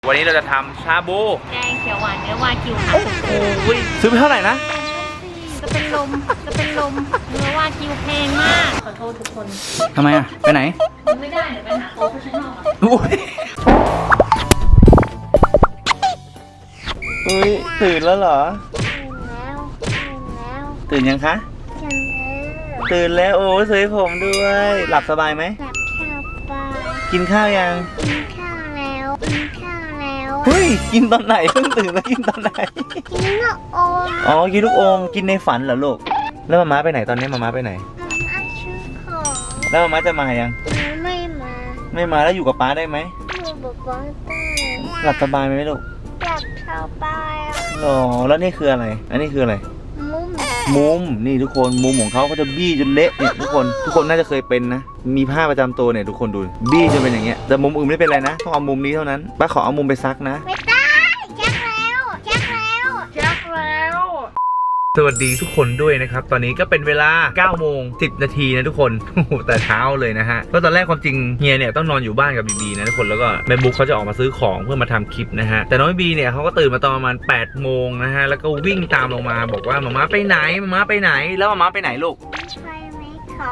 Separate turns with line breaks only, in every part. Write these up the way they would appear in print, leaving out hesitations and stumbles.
วันนี้เราจะทำชาบู
แกงเขียวหวานเนื้อวากิวค่ะ
โอ้ยซื้อไปเท่าไหร่นะ
จะเป็นลมเนื้อวากิวแพงมากขอโทษทุกคน
ทำไมอ่ะไปไหน
ไม่ได้เดี๋ยวไปหาโปรเฟชชั่นอล
โอ้ยตื่นแล้วเหรอตื่นยังคะตื่นแล้วโอ้สวยผมด้วยหลับสบายไหมกินข้าวยังเฮ้ยกินตอนไหนเพิ่งตื่นแล้วกินตอนไหน
กินลูกอม
อ๋อกินลูกอมกินในฝันเหรอลูกแล้วมาม่าไปไหนตอนนี้มาม่าไปไหน
มาซื้อของ
แล้วมาม่าจะมายังไม่มาแล้วอยู่กับป๊าได้ไหม
อยู่กับป้าได้
หลับสบายไหมลูก
หลับสบาย
หรอแล้วนี่คืออะไรอันนี้คืออะไรมุมนี่ทุกคนมุมของเขาจะบี้จนเละเนี่ยทุกคนน่าจะเคยเป็นนะมีผ้าประจำตัวเนี่ยทุกคนดูบี้จนเป็นอย่างเงี้ยแต่มุมอื่นไม่เป็นไรนะต้องเอามุมนี้เท่านั้นป้าขอเอามุมไปซักนะ
ไม่ได้แจ็คแล้ว
สวัสดีทุกคนด้วยนะครับตอนนี้ก็เป็นเวลา 9 โมง 10 นาทีนะทุกคนแต่เช้าเลยนะฮะเพราะตอนแรกความจริงเฮียเนี่ยต้องนอนอยู่บ้านกับบีบีนะทุกคนแล้วก็แม่บุ๊กเขาจะออกมาซื้อของเพื่อมาทำคลิปนะฮะแต่น้องบีเนี่ยเขาก็ตื่นมาตอนประมาณ 8 โมงนะฮะแล้วก็วิ่งตามลงมาบอกว่ามาม่าไปไหนแล้วมาม่าไปไหนลูก
ไปไหมคะ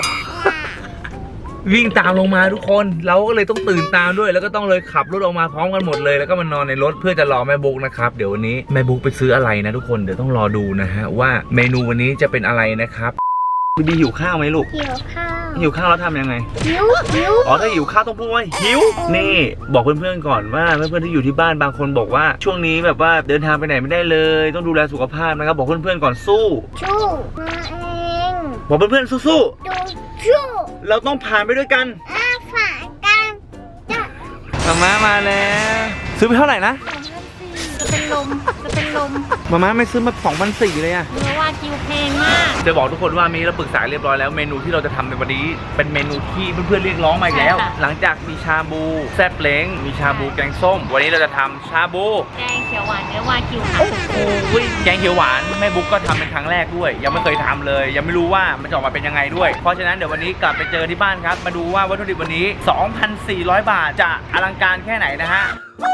วิ่งตามลงมาทุกคนเราก็เลยต้องตื่นตามด้วยแล้วก็ต้องเลยขับรถออกมาพร้อมกันหมดเลยแล้วก็มานอนในรถเพื่อจะรอแม่บุ๊กนะครับเดี๋ยววันนี้แม่บุ๊กไปซื้ออะไรนะทุกคนเดี๋ยวต้องรอดูนะฮะว่าเมนูวันนี้จะเป็นอะไรนะครับบีหิวข้าวไหมลูกหิวข้าวแล้วทำยังไง
หิว
อ๋อถ้าหิวข้าวต้องพูดว่าหิวนี่บอกเพื่อนๆก่อนว่าเพื่อนๆที่อยู่ที่บ้านบางคนบอกว่าช่วงนี้แบบว่าเดินทางไปไหนไม่ได้เลยต้องดูแลสุขภาพนะครับบอกเพื่อนๆก่อนสู้
มาเอง
บอกเพื่อนๆสู้เราต้องผ่านไปด้วยกัน
ฝ่ากัน
มาม่ามาแล้วซื้อไปเท่าไหร่นะ
จะเป็นลม
มาม่าไม่ซื้อมา 2,400 เลยอะ
เนื้อวากิวแพงมาก
จะบอกทุกคนว่ามีเราปรึกษาเรียบร้อยแล้วเมนูที่เราจะทำในวันนี้เป็นเมนูที่เพื่อนๆเรียกร้องมาอีกแล้วหลังจากมีชาบูแซ่บเล้งมีชาบูแกงส้มวันนี้เราจะทำชาบู
แกงเขียวหวานเนื้อวากิวค่ะ
โอ้ยแกงเขียวหวานแม่บุ๊กก็ทำเป็นครั้งแรกด้วยยังไม่เคยทำเลยยังไม่รู้ว่ามันจะออกมาเป็นยังไงด้วยเพราะฉะนั้นเดี๋ยววันนี้กลับไปเจอที่บ้านครับมาดูว่าวัตถุดิบวันนี้ 2,400 บาทจะอลังการแค่ไหนนะฮะ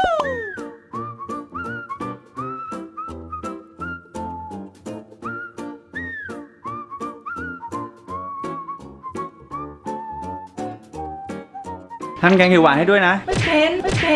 ทำแกงเขียวหวานให้ด้วยนะ
ไม่เป็น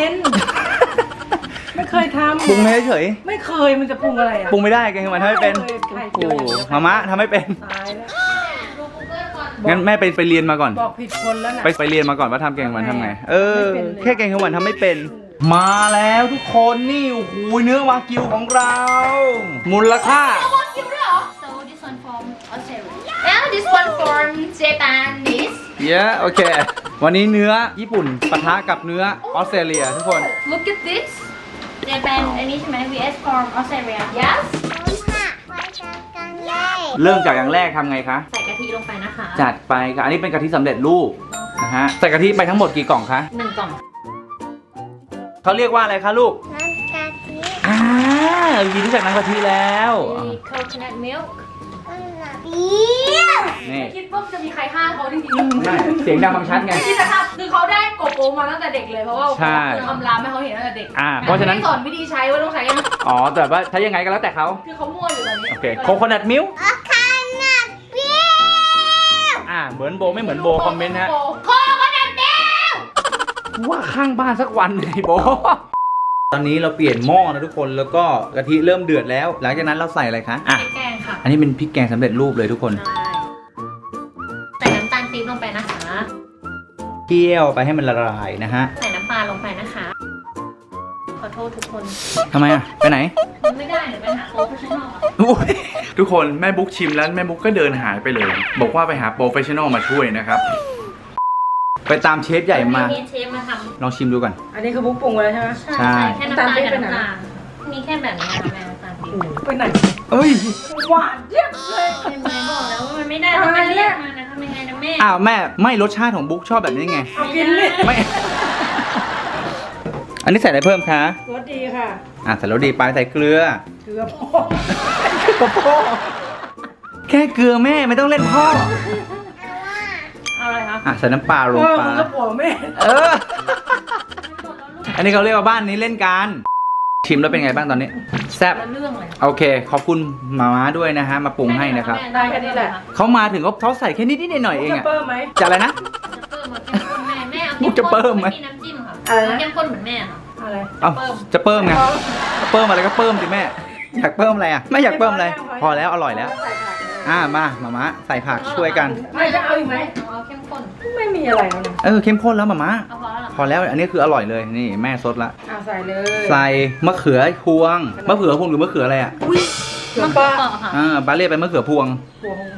ไม่เคยทำ
ปรุงให้เฉย
ไม่เคยมันจะปรุงอะไรอ่ะ
ปรุงไม่ได้แกงเขียวหวานทำไม่เป็นโอ้มาม่าทำไม่เป็น
ตายแล้ว
งั้นแม่ไปเรียนมาก่อน
บอกผิดคนแล้วนะ
ไปเรียนมาก่อนว่าทำแกงเขียวหวานทำไงแค่แกงเขียวหวานทำไม่เป็นมาแล้วทุกคนนี่โอ้โหเนื้อวากิวของเรามูลค่า
วากิวด้วยเหรอ so this one from Australia and this one from Japanese
yeah โอเควันนี้เนื้อญี่ปุ่นปะทะกับเนื้อออสเตรเลียทุกคน
look at this Japan อันนี้ใช่ไหม vs from Australia yes
เริ่มจากอย่างแรกทำไงคะ
ใส่กะทิลงไปนะคะ
จัดไปค่ะอันนี้เป็นกะทิสำเร็จรูปนะฮะใส่กะทิไปทั้งหมดกี่กล่องคะ
1 กล่อง
เขาเรียกว่าอะไรคะลูก
น้ำกะทิ
ยินรู้จักน้ำกะทิแล้ว
มี coconut milk
นี่
คิดว่าจะมีใครฆ่าเขาจริง
ๆเสียงดังฟังชัดไง
ที่นะครับคือเขาได้กบโอมาตั้งแต่เด็กเลยเพราะว่าคือทำรามให้เขาเห็นตั้งแต่เด็ก
เพราะฉะนั้น
สอนวิธีใช้ว่าต้องใช้ยัง
แต่ว่าใช้ยังไงก็แล้วแต่เขา
คือเขามั่วอยู่ตอนนี้
โอเคโคโคนัทมิลค์
โคโคนัทมิลค์
เหมือนโบไม่เหมือนโบคอมเมนต์ฮะ
โคโคนัทมิลค์
ว่าข้างบ้านสักวันเลยโบตอนนี้เราเปลี่ยนหม้อนะทุกคนแล้วก็กะทิเริ่มเดือดแล้วหลังจากนั้นเราใส่อะไรคะ
พริกแกงค่ะ
อันนี้เป็นพริกแกงสำเร็จรูปเลยทุกคน
ใส่น้ำตาลปี๊บลงไปนะคะ
เคี่ยวไปให้มันละลายนะฮะ
ใส่น้ำปลาลงไปนะคะขอโทษทุกคน
ทำไมไปไหน
ไม่ได้เดี๋ยวไปหาโปรเฟชชั่นอล
ทุกคนแม่บุ๊กชิมแล้วแม่บุ๊กก็เดินหายไปเลยบอกว่าไปหาโปรเฟชชั่นอลมาช่วยนะครับไปตามเชฟใหญ่มา
เชฟมาทำ
ลองชิมดูก่อน
อันนี้คือบุ๊กปรุงไว้แล้วใช่ไหม
ใช่แค่น้ำตาลกับน้ำตาลมีแค่แบบนี้ค่ะแม่น้ำตาล
ไปไหนหวานเยี่ยมเลย
เห็นไหมบอกแล้วว่ามันไม่ได้ต้องไปเรียกมานะทำยังไงนะแม่
แม่ไม่รสชาติของบุ๊กชอบแบบนี้ไง
กินเลย
ไม่อันนี้ใส่อะไรเพิ่มคะ
รสดีค่ะ
ใส่รสดีไปใส่เกลือ
พ่อ
แค่เกลือแม่ไม่ต้องเล่นพ่อ
อะไรคะ
ใส่น้ำปลาลงไป
มันก็ผัวแม่
อันนี้เขาเรียกว่าบ้านนี้เล่นกันชิมแล้วเป็นไงบ้างตอนนี้แซ่บ
เรื่องเลย
โอเคขอบคุณหมาม้าด้วยนะฮะมาปรุงให้นะครับ
ได้แค่นี้แหละ
เขามาถึงเขาใส่แค่นิดๆหน่อยๆเอง
จะ
อะ
เปิ้มไหม
จะอะไรนะ
จะเพิ่มแม่เอา
มุกจะเพิ่มไหม
มีน้ำจิ้มค่ะ
อะไรนะ
เข้มข้นเหมือนแม่ค่ะ
อะไร
เอ้าจะเพิ่มไงเพิ่มอะไรก็เพิ่มสิแม่อยากเพิ่มอะไรอ่ะไม่อยากเพิ่มอะไรพอแล้วอร่อยแล้ว
ใส่ผักเลย
มาหมาม้าใส่ผักช่วยกัน
ไม่จะเอาอีกไหม
เอาเข้มข้น
ไม่มีอะไรแล้วนะ
เข้มข้นแล้วหมาม้า
เอาพอแล้วเหรอ
พอแล้วอันนี้คืออร่อยเลยนี่แม่ซดละ
ใส่เลย
ใส่มะเขือพวงมะเขือพวงหรือมะเขืออะไรอ่ะ
เขือ
มะ
ป้า
เขือเปราะค่ะ
บาเล่เป็นมะเขือพวง
หัวของ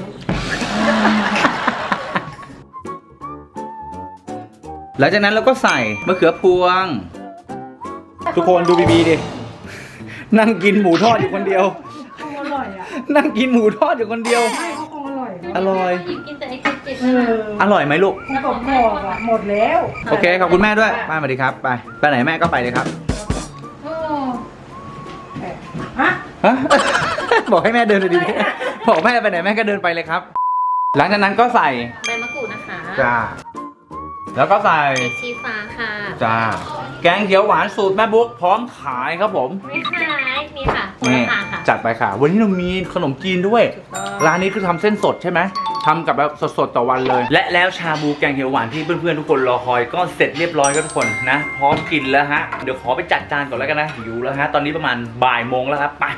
หลังจากนั้นเราก็ใส่มะเขือพวง ทุกคนดูบีดินั่งกินหมูทอดอยู่คนเดียว
คงอร่อยอ่ะ
นั่งกินหมูทอดอยู่คนเดียว
ใช่เขาคงอร่อย
อร่อย
หยิบกินแต่ไอ้จิต
เออ
อร่อยไหมลูก
กรอบๆอ่ะหมดแล้ว
โอเคขอบคุณแม่ด้วยป้าสวัสดีครับไปไหนแม่ก็ไปเลยครับ
โอ้
ฮะ
ฮะ บอกให้แม่เดินเลยดีๆบอกแม่ไปไหนแม่ก็เดินไปเลยครับ หลังจากนั้นก็ใส่
ใบมะกรูดนะคะ
จ้าแล้วก็ใส่
พริกชี้ฟ้าค่ะ
จ้าแกงเขียวหวานสูตรแม่บุ๊กพร้อมขายครับผม
ไม่ขายนี่ค่ะคุณ
นี่
ราคาค่ะ
จัดไปค่ะ วันนี้เรามีขนมจีนด้วย
ถูกต้อง
ร้านนี้คือทำเส้นสดใช่ไหมทำกับแบบสดๆต่อวันเลย และแล้วชาบูแกงเขียวหวานที่เพื่อนๆทุกคนรอคอยก็เสร็จเรียบร้อยครับทุกคนนะ พร้อมกินแล้วฮะ เดี๋ยวขอไปจัดจานก่อนแล้วกันนะหิวแล้วฮะ ตอนนี้ประมาณบ่ายโมงแล้วครับไป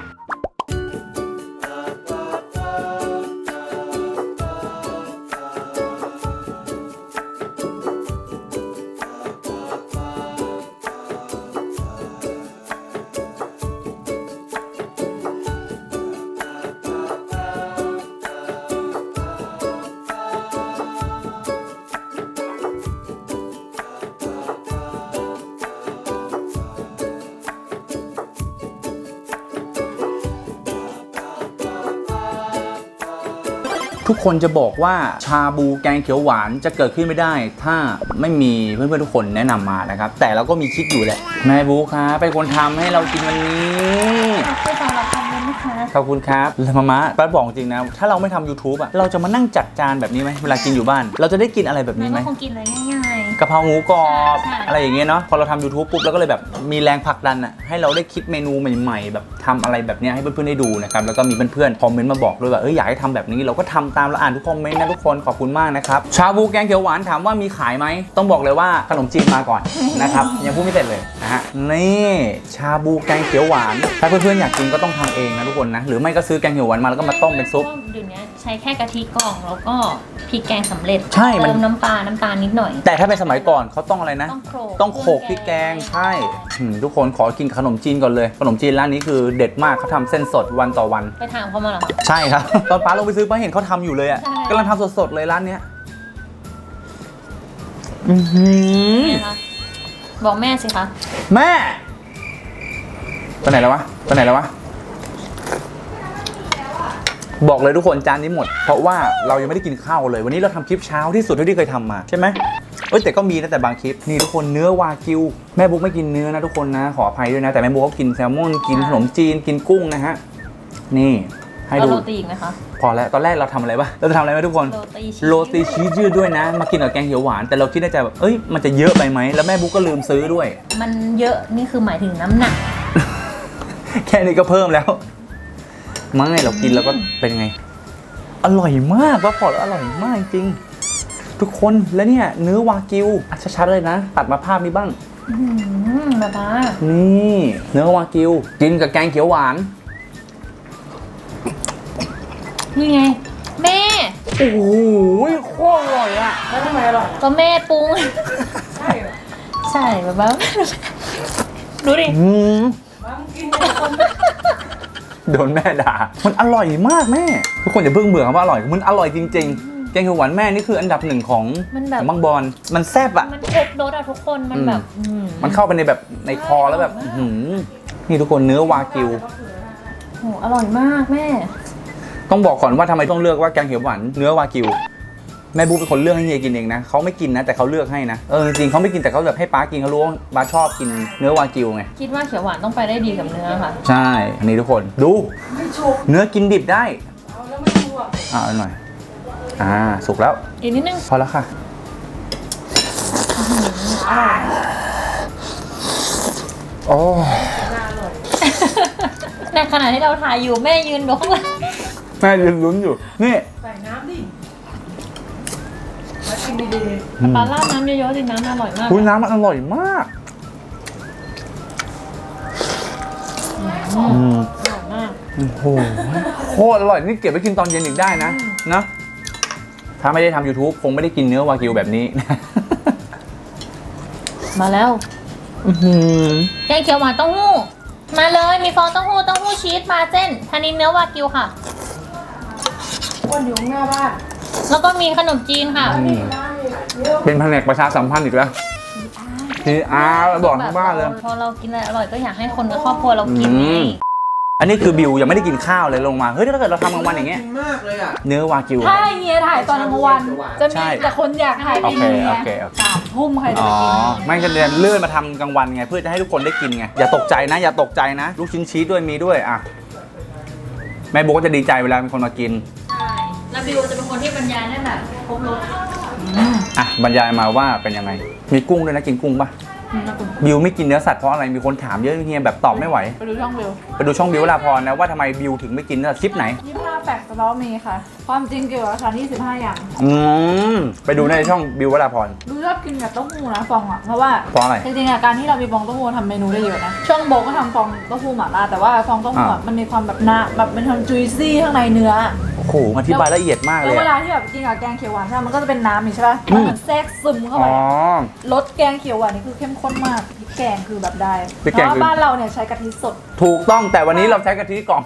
ทุกคนจะบอกว่าชาบูแกงเขียวหวานจะเกิดขึ้นไม่ได้ ถ้าไม่มีเพื่อนๆทุกคนแนะนำมานะครับแต่เราก็มีคิดอยู่แหละแม่บูครับเป็นคนทำให้เรากินวันนี้
ขอบคุณสำหรับคอมเมนต์นะคะ
ขอบคุณครับแล้วมาป้าบอกจริงนะถ้าเราไม่ทำ YouTube อ่ะเราจะมานั่งจัดจานแบบนี้ไหมเวลากินอยู่บ้าน เราจะได้กินอะไรแบบนี้ไหม
ก็คงกินอะไรง่าย
กะเพราหมูกรอบ
ใช่
อะไรอย่างเงี้ยเนาะพอเราทำ YouTube ปุ๊บเราก็เลยแบบมีแรงผลักดันอ่ะให้เราได้คิดเมนูใหม่ๆแบบทำอะไรแบบเนี้ยให้เพื่อนๆได้ดูนะครับแล้วก็มีเพื่อนๆคอมเมนต์มาบอกด้วยว่าอยากให้ทำแบบนี้เราก็ทำตามเราอ่านทุกคอมเมนต์นะทุกคนขอบคุณมากนะครับชาบูแกงเขียวหวานถามว่ามีขายไหมต้องบอกเลยว่าขนมจีนมาก่อนนะครับ ยังพูดไม่เสร็จเลยนะฮะนี่ชาบูแกงเขียวหวานถ้าเพื่อนๆอยากกินก็ต้องทำเองนะทุกคนนะหรือไม่ก็ซื้อแกงเขียวหวานมาแล้วก็มาต้มเป็นซุป
เดี๋ยวนี้ใช้แค่กะทิกล่องแล้วก็พริกแกงสำเร็จ
ใช่มัน
เติมน้ำปลาน้ำตาลนิดหน่อย
แต่ถ้าเป็นสมัยก่อนเขาต้องอะไรนะ
ต้องโขลก
พริกแกงใช่ทุกคนขอกินขนมจีนก่อนเลยขนมจีนร้านนี้คือเด็ดมากเขาทำเส้นสดวันต่อวัน
ไปถามเขามาเหรอคะ
ใช่ครับ ตอนป้าลงไปซื้อป้าเห็นเขาทำอยู่เลยอ่ะ
ใช่
กำลังทำสดๆเลยร้านเนี้ยอื้อหือ
แม่คะบอกแม่สิคะ
แม่ไปไหนแล้ววะไปไหนแล้ววะบอกเลยทุกคนจานนี้หมด เพราะว่าเรายังไม่ได้กินข้าวเลย วันนี้เราทำคลิปเช้าที่สุดเท่าที่เคยทำมาใช่ไหมแต่ก็มีนะแต่บางคลิปนี่ทุกคนเนื้อวากิวแม่บุ๊กไม่กินเนื้อนะทุกคนนะขออภัยด้วยนะแต่แม่บุ๊กเขากินแซลมอนกินขนมจีนกินกุ้งนะฮะนี่ให้
เอา
ดู
โรตีอีกไหมคะ
พอแล้วตอนแรกเราทำอะไรวะเราจะทำอะไรไหมทุกคน
โรตีชีส
โรตีชีสยืดด้วยนะ มากินกับแกงเขียวหวานแต่เราคิดในใจแบบมันจะเยอะไปไหมแล้วแม่บุ๊กก็ลืมซื้อด้วย
มันเยอะนี่คือหมายถึงน้ำหนัก
แค่นี้ก็เพิ่มแล้วไม่เรากินแล้วก็เป็นไง อร่อยมากว่าพอแล้วอร่อยมากจริงทุกคนแล้วเนี่ยเนื้อวากิวชัดๆเลยนะตัดมาภาพนี้บ้าง
มาบ้า
นี่เนื้อวากิวกินกับแกงเขียวหวาน
นี่ไง แม่
โอ้โหโคตรอร่อยอ่ะ
แล้วทำไมอร่อย
ก็แม่ปรุง
ใช่เหรอ
ใช่มาบ้าดูดิ
ว่ามึงกินเนี่ยคน
โดนแม่ด่ามันอร่อยมากแม่ทุกคนอย่าเพิ่งเบื่อคำว่าอร่อยมันอร่อยจริงๆแกงเขียวหวานแม่นี่คืออันดับหนึ่งของ
มันแบบ
ของบางบอนมันแซ่บอ่ะ
มันครบรสอะทุกคนมันแบบ
มันเข้าไปในแบบในคอแล้วแบบนี่ทุกคนเนื้อวากิว
โหอร่อยมากแม่
ต้องบอกก่อนว่าทำไมต้องเลือกว่าแกงเขียวหวานเนื้อวากิวแม่บุ๊กเป็นคนเลือกให้เฮียกินเองนะเขาไม่กินนะแต่เขาเลือกให้นะจริงๆเขาไม่กินแต่เขาแบบให้ป้ากินเขารู้ว่าป้าชอบกินเนื้อวากิวไง
คิดว่าเขียวหวานต้องไปได้ดีกับเนื้อค่ะ
ใช่อันนี้ทุกคนดู
ไม่ชุบ
เนื้อกินดิบได้
เอาแล้วไม่ชุบอ่ะ
เอาหน่อยสุกแล้ว
อีกนิดนึง
พอแล้วค่ะโอ้
น่าอร่อย
ในขณะที่เราถ่ายอยู่แม่ยืนดูข้างหลัง
แม่ยืนลุ้นอยู่นี่
ใส่น้ำดิมากินดี
ปลาราดน้ำเยอะๆสิน้ำอร่อยมาก
คุณน้ำมันอร่อยมาก
อร่อยมาก
โอ้โหโคตรอร่อยนี่เก็บไว้กินตอนเย็นอีกได้นะนะถ้าไม่ได้ทำ YouTube คงไม่ได้กินเนื้อวากิวแบบนี้
มาแล้วแกงเขียวหวานเต้าหู้มาเลยมีฟองเต้าหู้ชีสมาเส้นทานินเนื้อวากิวค่ะ
ๆอ้วนอยู่ข้างหน้าบ้าน
แล้วก็มีขนมจีนค่ะ
นี่ร้านนี่เดี๋ยว
เป็นแผนกประชาสัมพันธ์อีกแล้วทีบอกทั้งบ้านเลย
พอเรากินอะไรอร่อยก็อยากให้คนในครอบครัวเรากินไง
อันนี้คือบิวยังไม่ได้กินข้าวเลยลงมาเฮ้ยถ้าเกิดเราทำกลางวันอย่างเงี้ย
กินมากเลยอ่ะ
เนื้อวากิว
ถ้าเฮียถ่ายตอนกลางวัน จะ
ใช่
มีแต่คนอยากถ่าย
โอ
เป็น
เค
เฮี
โอย เคโอเค
3 ทุ่มใครจะ
อ๋
ไป
อ
กิน
ไม่ก็เรียนเลื่อนมาทำกลางวันไงเพื่อจะให้ทุกคนได้กินไงอย่าตกใจนะ อย่าตกใจนะ ลูกชิ้นชีสด้วยมีด้วยอ่ะแม่โบก็จะดีใจเวลามีคนมากิน
ใช่แล้วบิวจะเป็นคนที่บรรยายได้แบบครบรส
อ่ะบรรยายมาว่าเป็นยังไงมีกุ้งด้วยนะกินกุ้งป่ะบิวไม่กินเนื้อสัตว์เพราะอะไรมีคนถามเยอะเฮียแบบตอบไม่ไหว
ไปดูช่องวิว
ไปดูช่องบิววราพรนะว่าทำไมบิวถึงไม่กินเนื้อสัตว์คลิปไหน
25 แฟกต์สตอมีค่ะ ความจริงเกี่ยวกับอาหาร25 อย่าง
ไปดูในช่องบิววราพร
ดูชอบกินกับเต้าหู้นะฟองอ่ะ เพราะว่า
เพราะอะไร
จริงๆอ่ะการที่เรามีฟองเต้าหู้ทำเมนูได้เยอะนะ ช่องโบก็ทำฟองเต้าหู้หม่าล่าแต่ว่าฟองเต้าหู้อ่ะมันมีความแบบหนาแบบเป็นความจุยซี่ข้างในเนื้อ
โอ้โหอธิบายละเอียดมากเล
แล้ว
ย
เว
อะ
ลาที่แบบกินกับแกงเขียวหวานใช่ไหมมันก็จะเป็นน้ำนี่ใช่ป่ะมันเหมือนแทรกซึมเข้า
อ๋
ไป
อ
รสแกงเขียวหวานนี่คือเข้มข้นมากพริกแกงคือแบบได้
พริก
เพ
แกง
ราะ
คือ
ว่าบ้านเราเนี่ยใช้กะทิสด
ถูกต้องแต่วันนี้เราใช้กะทิกล่อง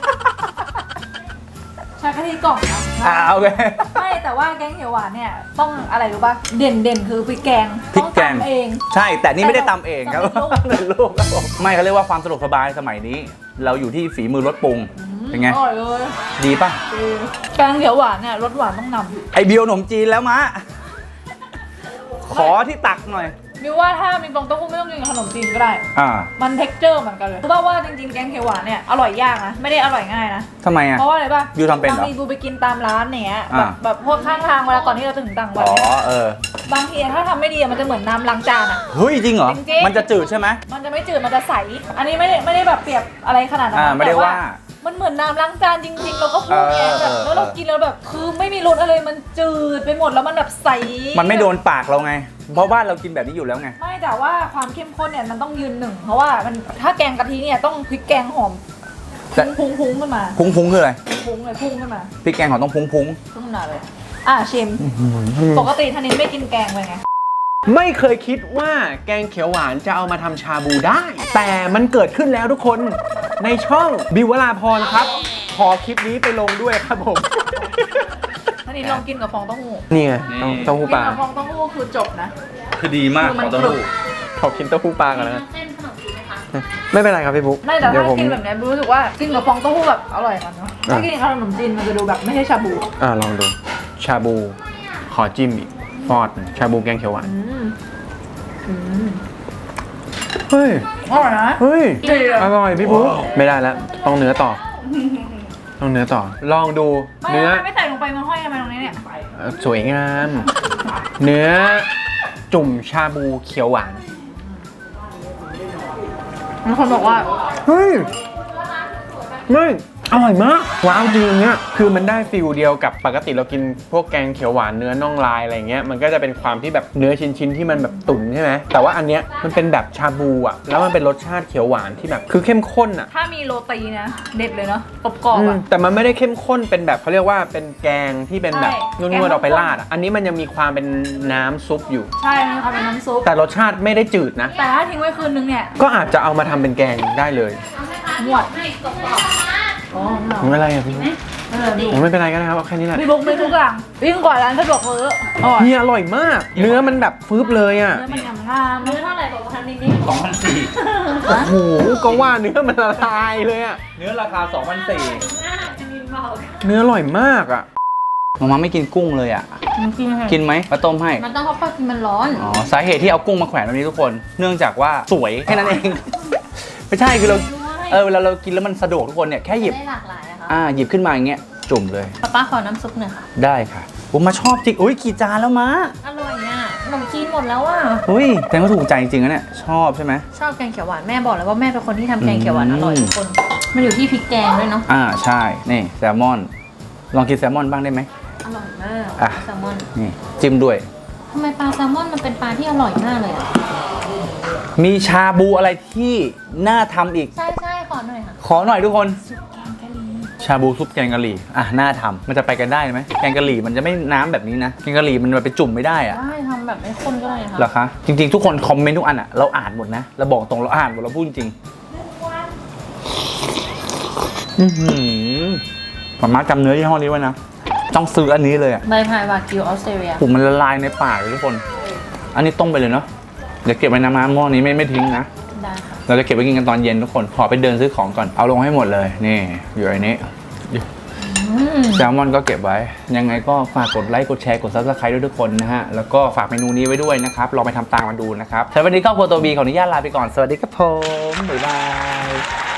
ใช้กะทิกล่องนะ
โอเค
ไม่แต่ว่าแกงเขียวหวานเนี่ยต้องอะไรรู้ป่ะเด่นคือพริกแกง
พริกแกง
ต้องตำเอง
ใช่แต่นี่ไม่ได้ตำเองครับ
ตำเป็นลูก
เป็นลูกครับผมไม่เขาเรียกว่าความสะดวกสบายสมัยนี้ เราอยู่ที่ฝีมือรสปรุงเป็นไง
อร่อยเลย
ดีป่ะ
แกงเขียวหวานเนี่ยรสหวานต้องนำ
ไอเบียวขนมจีนแล้วมะขอที่ตักหน่อย
มิวว่าถ้ามีฟองเต้าหู้ไม่ต้องกินกับขนมจีนก็ได้
อ่า
มันเท็กเจอร์เหมือนกันเลยรู้ป่ะว่าจริงๆแกงเขียวหวานเนี่ยอร่อยยากนะไม่ได้อร่อยง่ายนะ
ทำไมอ่ะ
เพราะว่าอะไรป่ะ
บิวทำเป็นเหรอ
บางทีบูไปกินตามร้านเนี้ย
อ่า
แบบพวกข้างทางเวลาก่อนที่เราจะถึงต่างจังหวั
อ๋
ด
อ
เนี่ย
เออบ
างทีถ้าทำไม่ดีอะมันจะเหมือนน้ำล้างจานอ่ะ
เฮ้ยจริงเหรอ
จริงๆ
มันจะจืดใช่ไหม
มันจะไม่จืดมันจะใสอันนี้ไม่ได้แบบเปรียบอะไรขนาดนั้น
อ่า
นะ
ไม่ได้
แต่
ว่า
มันเหมือนน้ำล้างจานจริงๆ เราก็พูดไงแบบ
เออ
แล้วเรากินแล้วแบบคือไม่มีรสอะไรมันจืดไปหมดแล้วมันแบบใส
มันไม่โดนปากเราไง เพราะบ้านเรากินแบบนี้อยู่แล้วไง
ไม่แต่ว่าความเข้มข้นเนี่ยมันต้องยืนหนึ่งเพราะว่ามันถ้าแกงกะทิเนี่ยต้องพริกแกงหอม
แต่
พุ้งขึ้นมา
พุ้งพุ้งคืออะไร
พุ้งเลยพุ่งขึ้นมา
พริกแกงของต้องพุ้งพุ้ง
พุ่งขึ้นมาเลยชิมปกติธนินไม่กินแกงเลยไง
ไม่เคยคิดว่าแกงเขียวหวานจะเอามาทำชาบูได้ แต่มันเกิดขึ้นแล้วทุกคนในช่องบิววราพรครับ ขอคลิปนี้ไปลงด้วยครับผม
ธนินลองกินกับฟองเต้าหู้
นี่ไงเต้าหู้
กิ
ปลา
กับฟองเต้าหู้คือจบนะ
คือดีมาก
คือมัน
ขอเต้าหู้
ขอกินเต้าหู้ปลากันนะ
เส้นขนมจีนไหมคะ
ไม่เป็นไรครับพี่บุ๊ก
ไม่แต่
เดี๋ยว
ถ้า
ผม
กินแบบเนี้ยรู้สึกว่ากินกับฟองเต้าหู้แบบอร่อยกว่าเนาะถ้ากินกับขนมจีนมันจะดูแบบไม่ใช่ชาบู
ลองดู ชาบู ขอจิ้มอีกฟอดชาบูแกงเขียวหวานเฮ้ย
อร่อยนะ
เฮ้ย
ดีอะ
อร่อยพี่บุ๊กไม่ได้แล้วต้องเนื้อต่อ ต้องเนื้อต่อ ลองดู
ไม่
เนื้อ
ไม่ใส่ลงไปมันห้อยทำไมตรงนี้เนี่ย
สวยงาม เนื้อจุ่มชาบูเขียวหวาน
มีคนบอกว่า
เฮ้ย ไม่อร่อยมาก ว้าวจริงเนี่ยคือมันได้ฟิลเดียวกับปกติเรากินพวกแกงเขียวหวานเนื้อน่องลายอะไรเงี้ยมันก็จะเป็นความที่แบบเนื้อชิ้นๆที่มันแบบตุ๋นใช่ไหมแต่ว่าอันเนี้ยมันเป็นแบบชาบูอ่ะแล้วมันเป็นรสชาติเขียวหวานที่แบบคือเข้มข้นอ่ะ
ถ้ามีโรตีนะเด็ดเลยเนาะกรอบๆอ่ะ
แต่มันไม่ได้เข้มข้นเป็นแบบเขาเรียกว่าเป็นแกงที่เป็นแบบ
ใช่
นวดๆเอาไปราดอ่ะอันนี้มันยังมีความเป็นน้ำซุปอยู่
ใช่มีความเป็นน้ำซุป
แต่รสชาติไม่ได้จืดนะ
แต่ถ้าทิ้งไว้คืนนึงเนี่ย
ก็อาจจะเอามาทำเป็นแกงได้เลย
หวด
ให้กรอบ
อ๋อ
ไม่เป็นไรอ่ะพี่บุ๊คไม่เป็นไรก็ได้ครับเอาแค่นี้แหละ
พี่บุ๊กไม่ทุกอย่างยิ่งกว่าร้านสะดวกซื้ออร่อย
เฮียอร่อยมาก เนื้อมันแบบฟืบเลยอ่ะ
เนื้อมันงาม
ๆเนื้อเท่าไหร่บอกว่าทำนิด
2,400
โอ้โหก็ว่าเนื้อมันละลายเลยอ่ะ
เนื้อราคา 2,400
จะมีเบา
เนื้ออร่อยมากอ่ะ
มาไม่กินกุ้งเลยอ่ะ กินไหมมาต้มให้
มันต้องเพราะกินมันร้อน
อ๋อสาเหตุที่เอากุ้งมาแขวนแบบนี้ทุกคน เนื่องจากว่าสวยแค่นั้นเอง ไม่ใช่คือเราเวลาเรากินแล้วมันสะดวกทุกคนเนี่ยแค่หยิบ
ได้หลากหลายอะค่ะ
หยิบขึ้นมาอย่างเงี้ยจุ่มเลย
ป๊าขอน้ำซุปหน่อยค่ะ
ได้ค่ะผมมาชอบจริงอุ้ยกี่จานแล้วมา
อร่อยอ่ะนมจีนหมดแล้วอ่ะ
เฮ้ยแต่ก็ถูกใจจริงๆนะเนี่ยชอบใช่ไหม
ชอบแกงเขียวหวานแม่บอกเลยว่าแม่เป็นคนที่ทำแกงเขียวหวานอร่อยทุกคน มันอยู่ที่พริกแกงด้วยเนาะ
ใช่นี่แซลมอนลองกินแซลมอนบ้างได้ไหม
อร่อยมาก
อ่ะ
แซลมอน
นี่จิ้มด้วย
ทำไมปลาแซลมอนมันเป็นปลาที่อร่อยมากเลยอ่ะ
มีชาบูอะไรที่น่าทำอีก
ใช่ใช่ขอหน่อยค่ะ
ขอหน่อยทุกคน ชาบูซุปแกงกะหรี่น่าทำมันจะไปกันได้ไหมแกงกะหรี่มันจะไม่น้ำแบบนี้นะแกงกะหรี่มันไปจุ่มไม่ได้อะ
ได้ทำแบบไม่ข้นก็ได้ค่ะ
เหรอคะจริงๆทุกคนคอมเมนต์ทุกอันอะเราอ่านหมดนะเราบอกตรงเราอ่านหมดเราพูดจริงมาม่าจำเนื้อยี่ห้อนี้ไว้นะต้องซื้ออันนี้เลยอะ
ใบพายวากิวออสเตรเลีย
ผมมันละลายในปากเลยทุกคน อันนี้ต้มไปเลยเนาะเดี๋ยวเก็บไว้น้ำหม้อนี้ไม่ทิ้งนะ
ได้ค่ะ
เราจะเก็บไว้กินกันตอนเย็นทุกคนขอไปเดินซื้อของก่อนเอาลงให้หมดเลยนี่อยู่ในนี้แซลมอนก็เก็บไว้ยังไงก็ฝากกดไลค์กดแชร์กด Subscribe ด้วยทุกคนนะฮะแล้วก็ฝากเมนูนี้ไว้ด้วยนะครับลองไปทำตามมาดูนะครับสำหรับวันนี้ครอบครัวตัวบีขออนุญาตลาไปก่อนสวัสดีครับผมบ๊ายบาย